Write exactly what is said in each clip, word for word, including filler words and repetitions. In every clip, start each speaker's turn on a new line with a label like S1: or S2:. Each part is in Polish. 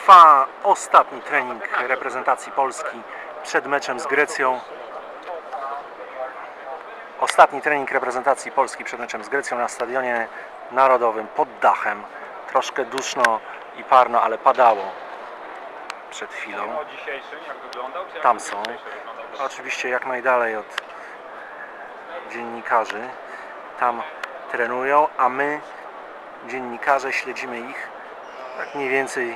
S1: Trwa ostatni trening reprezentacji Polski przed meczem z Grecją. Ostatni trening reprezentacji Polski przed meczem z Grecją na Stadionie Narodowym pod dachem. Troszkę duszno i parno, ale padało przed chwilą. Tam są. Oczywiście jak najdalej od dziennikarzy. Tam trenują, a my, dziennikarze, śledzimy ich tak mniej więcej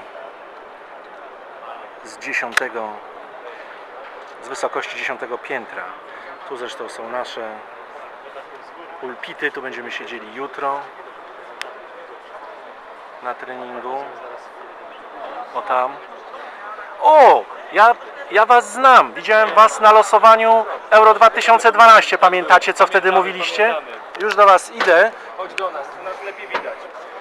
S1: z dziesiątego, z wysokości dziesiątego piętra. Tu zresztą są nasze pulpity, tu będziemy siedzieli jutro na treningu. O tam. O! Ja, ja was znam. Widziałem was na losowaniu Euro dwa tysiące dwanaście. Pamiętacie, co wtedy mówiliście? Już do was idę.
S2: Chodź do nas, tu nas lepiej widać.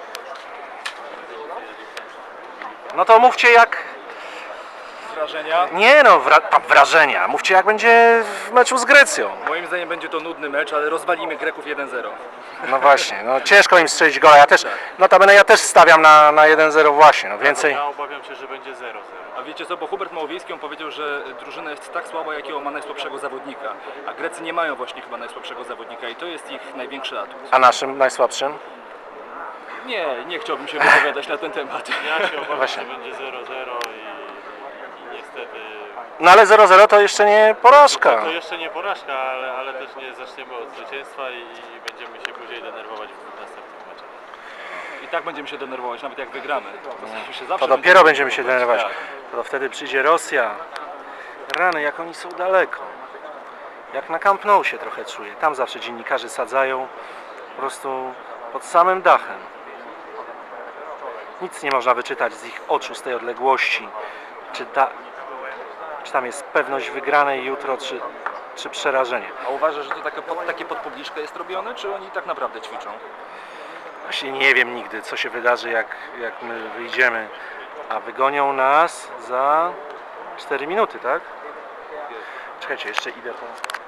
S1: No to mówcie jak...
S2: Wrażenia?
S1: Nie no, wra... wrażenia. Mówcie jak będzie w meczu z Grecją.
S2: Moim zdaniem będzie to nudny mecz, ale rozwalimy Greków jeden zero.
S1: No właśnie, no ciężko im strzelić gola. Ja też, notabene ja też stawiam na, na jeden zero właśnie, no więcej.
S3: Ja obawiam się, że będzie zero zero.
S2: A wiecie co, bo Hubert Małowiejski on powiedział, że drużyna jest tak słaba, jakiego ma najsłabszego zawodnika. A Grecy nie mają właśnie chyba najsłabszego zawodnika i to jest ich największy atut.
S1: A naszym najsłabszym?
S2: Nie, nie chciałbym się wypowiadać na ten temat.
S3: Ja się obawiam,
S1: Właśnie.
S3: że będzie zero zero i, i niestety...
S1: No ale zero zero to jeszcze nie porażka.
S3: To jeszcze nie porażka, ale, ale też nie zaczniemy od zwycięstwa i, i będziemy się później denerwować w następnych meczach.
S2: I tak będziemy się denerwować, nawet jak wygramy. To, się zawsze
S1: To dopiero będziemy się
S2: denerwować.
S1: denerwować. To wtedy przyjdzie Rosja. Rany, jak oni są daleko. Jak na Camp Nou się trochę czuję. Tam zawsze dziennikarze sadzają po prostu pod samym dachem. Nic nie można wyczytać z ich oczu, z tej odległości. Czy, ta, czy tam jest pewność wygranej jutro, czy, czy przerażenie.
S2: A uważasz, że to takie pod, takie pod publiczkę jest robione, czy oni tak naprawdę ćwiczą?
S1: Właśnie nie wiem nigdy, co się wydarzy, jak, jak my wyjdziemy. A wygonią nas za cztery minuty, tak? Czekajcie, jeszcze idę po...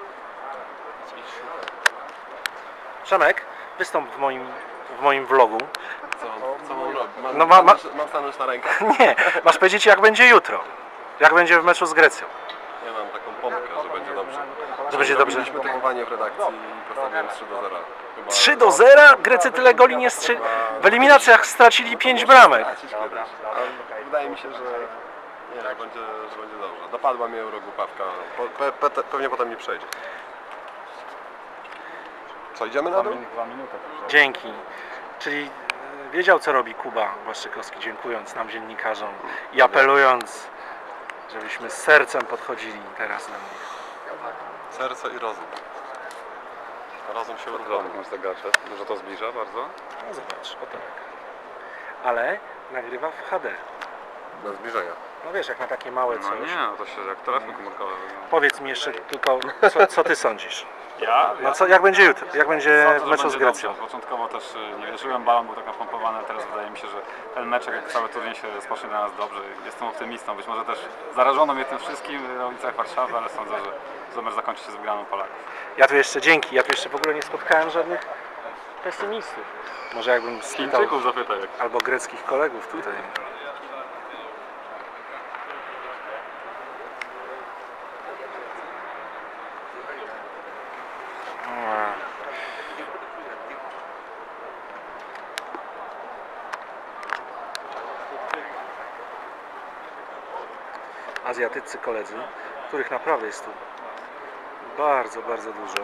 S1: Przemek, wystąp w moim, w moim vlogu.
S4: Co, co mam robić? Mam,
S1: No ma- ma-
S4: mam stanąć na rękach?
S1: Nie, masz powiedzieć jak będzie jutro. Jak będzie w meczu z Grecją.
S4: Ja mam taką pompkę, że będzie dobrze.
S1: Że będzie dobrze.
S4: Robiliśmy typowanie w redakcji i postawiłem trzy do zera. Chyba
S1: trzy do zera? Grecy tyle goli nie strzeli. W eliminacjach stracili pięć bramek.
S4: Dobra. A wydaje mi się, że, nie, że, będzie, że będzie dobrze. Dopadła mnie eurogłupawka. Po, pe, pe, pewnie potem nie przejdzie. Co, idziemy na dół?
S1: Dzięki. Czyli e, wiedział co robi Kuba Błaszczykowski, dziękując nam dziennikarzom i apelując, żebyśmy z sercem podchodzili teraz do nich.
S4: Serce i rozum. Rozum się uruchomił.
S5: Masz zegarze, może to zbliża bardzo?
S1: No zobacz, oto tak. Ale nagrywa w H D.
S4: Do zbliżenia.
S1: No wiesz, jak na takie małe
S5: No
S1: coś.
S5: nie, no to się jak telefon komórkowy wygląda.
S1: Powiedz mi jeszcze tylko, co, co ty sądzisz?
S3: Ja?
S1: No co, jak będzie jutro? Jak będzie
S5: Sądzę,
S1: w
S5: że
S1: meczu z
S5: będzie
S1: Grecją?
S5: dobrze. Początkowo też y, nie wierzyłem, balon był tak napompowany, ale teraz wydaje mi się, że ten mecz, jak cały turniej się rozpocznie dla nas dobrze. Jestem optymistą, być może też zarażono mnie tym wszystkim na ulicach Warszawy, ale sądzę, że, że mecz zakończy się z wygraną Polaków.
S1: Ja tu jeszcze, dzięki, ja tu jeszcze w ogóle nie spotkałem żadnych pesymistów. Może jakbym spytał,
S5: Chińczyków zapytaj. Jak...
S1: albo greckich kolegów tutaj. Azjatyccy koledzy, których naprawdę jest tu bardzo, bardzo dużo.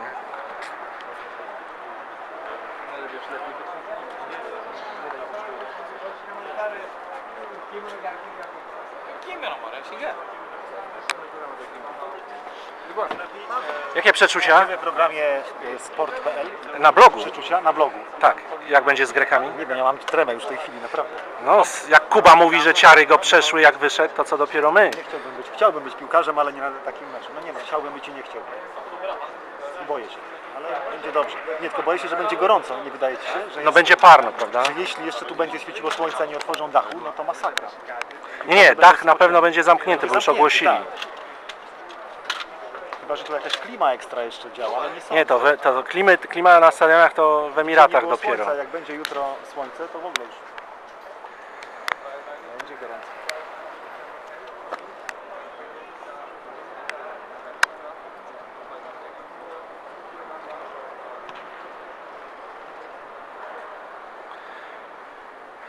S1: Jakie przeczucia?
S6: W programie sport kropka p l
S1: Na blogu?
S6: przeczucia na blogu.
S1: Tak. Jak będzie z Grekami?
S6: Nie wiem, ja mam tremę już w tej chwili, naprawdę.
S1: No, s- jak Kuba mówi, że ciary go przeszły jak wyszedł, to co dopiero my.
S6: Nie chciałbym być, chciałbym być piłkarzem, ale nie na takim meczu. No nie no, chciałbym być i nie chciałbym. I boję się, ale będzie dobrze. Nie, tylko boję się, że będzie gorąco, nie wydaje ci się? Że,
S1: No
S6: jest,
S1: będzie parno, prawda?
S6: że jeśli jeszcze tu będzie świeciło słońce, a nie otworzą dachu, no to masakra.
S1: Nie, nie, dach na pewno będzie zamknięty, bo już
S6: Zamknięty,
S1: ogłosili.
S6: tak. Chyba, że tu jakaś klima ekstra jeszcze działa, ale nie sądzę.
S1: Nie, to, we, to klimy, klima na stadionach to w Emiratach
S6: Nie było
S1: dopiero.
S6: Słońca, jak będzie jutro słońce, to w ogóle już będzie gorąco.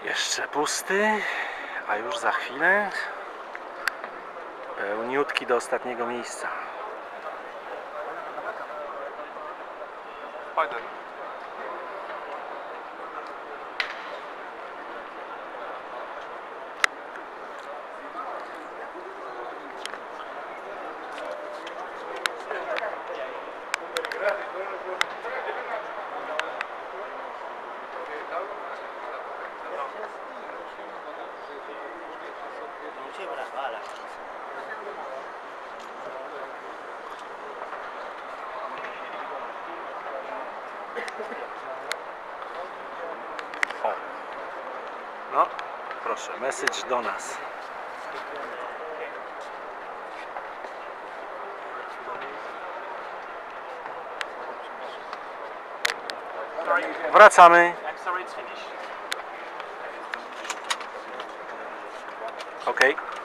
S1: Jeszcze pusty, a już za chwilę pełniutki do ostatniego miejsca. O. No, proszę, message do nas. Wracamy. Ok.